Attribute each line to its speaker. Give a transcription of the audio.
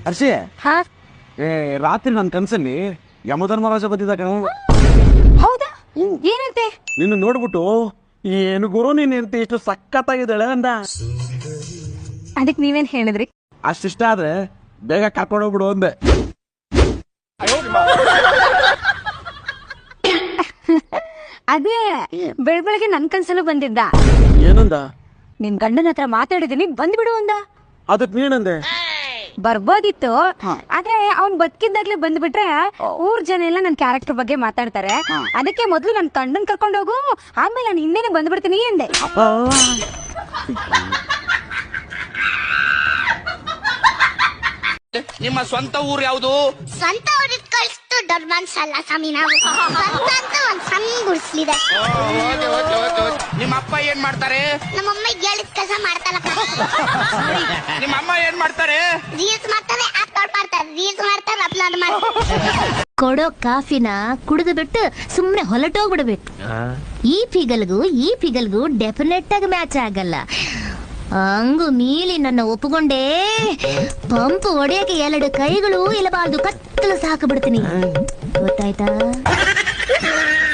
Speaker 1: ಹರ್ಷಿ,
Speaker 2: ಹಾ
Speaker 1: ರಾತ್ರಿ ನನ್ನ ಕನ್ಸಲ್ಲಿ ಯಮಧರ್ಮರಾಜ ಬಂದಿದ್ದ ಕಣ.
Speaker 2: ಹೌದಾ? ಏನಂತೆ?
Speaker 1: ನಿನ್ನ ನೋಡ್ಬಿಟ್ಟು ಏನು ಗುರು ನೀನ್ ಇರ್ತಿ ಇಷ್ಟು ಸಖತ್ತಾಗಿದ್ದಾಳೆ ಅಂದ.
Speaker 2: ಅದಕ್ಕೆ ನೀವೇನ್ ಹೇಳಿದ್ರಿ?
Speaker 1: ಅಷ್ಟಿಷ್ಟ ಆದ್ರೆ ಬೇಗ ಕರ್ಕೊಂಡು ಹೋಗ್ಬಿಡು ಅಂದೆ.
Speaker 2: ಅದೇ ಬೆಳಗ್ಗೆ ನನ್ ಕನ್ಸಲ್ಲೂ ಬಂದಿದ್ದ.
Speaker 1: ಏನಂದ?
Speaker 2: ನಿನ್ ಗಂಡನ ಹತ್ರ ಮಾತಾಡಿದೀನಿ ಬಂದ್ಬಿಡು ಅಂದ.
Speaker 1: ಅದಕ್ ನೀನಂದೆ?
Speaker 2: ಬರ್ಬೋದಿತ್ತು, ಆದ್ರೆ ಅವ್ನ್ ಬದುಕಿದ್ದಾಗ್ಲೇ ಬಂದ್ಬಿಟ್ರೆ ಊರ್ ಜನ ಎಲ್ಲ ನನ್ ಕ್ಯಾರೆಕ್ಟರ್ ಬಗ್ಗೆ ಮಾತಾಡ್ತಾರೆ. ಅದಕ್ಕೆ ಮೊದ್ಲು ನನ್ ಗಂಡನ್ ಕರ್ಕೊಂಡು ಹೋಗು, ಆಮೇಲೆ ನಾನು ಹಿಂದೆನೆ ಬಂದ್ಬಿಡ್ತೀನಿ ಅಂದೆ.
Speaker 3: ನಿಮ್ಮ ಸ್ವಂತ ಊರು ಯಾವುದು?
Speaker 4: ಸ್ವಂತ ಊರಿಗೆ ಕಳಿಸ್ತು ದೊಡ್ಡ ಮನ್ಸಲ್ಲ ಸ್ವಾಮಿ. ನಾವು ಸ್ವಂತ ಅಂತ ಒಂದ್ ಸಣ್ಣ ಗುಡಿಸ್ಲಿದೆ.
Speaker 3: ನಿಮ್ಮ ಅಪ್ಪ ಏನ್ ಮಾಡ್ತಾರೆ?
Speaker 4: ನಮ್ಮಮ್ಮ ಹೇಳಿದ ಕೆಲಸ ಮಾಡ್ತಾರಪ್ಪ.
Speaker 3: ನಿಮ್ಮ ಅಮ್ಮ ಏನ್ ಮಾಡ್ತಾರೆ?
Speaker 4: ರೀಲ್ಸ್ ಮಾಡ್ತಾರೆ, ಅಪ್ಲೋಡ್ ಮಾಡ್ತಾರೆ, ರೀಲ್ಸ್ ಮಾಡ್ತಾರೆ, ಅಪ್ಲೋಡ್ ಮಾಡ್ತಾರೆ.
Speaker 5: ಕೊಡೋ ಕಾಫಿನ ಕುಡಿದು ಬಿಟ್ಟು ಸುಮ್ನೆ ಹೊಲಟೋಗ್ಬಿಡ್ಬೇಕು. ಈ ಪಿಗಲ್ಗೂ ಡೆಫಿನೆಟ್ ಆಗಿ ಮ್ಯಾಚ್ ಆಗಲ್ಲ. ಹಂಗು ಮೀಲಿ ನನ್ನ ಒಪ್ಪುಕೊಂಡೇ ಪಂಪ್ ಹೊಡೆಯಕ್ಕೆ 2 ಕೈಗಳು ಇಲ್ಲಬಾರ್ದು, ಕತ್ತಲು ಸಾಕು ಬಿಡ್ತೀನಿ. ಗೊತ್ತಾಯ್ತಾ?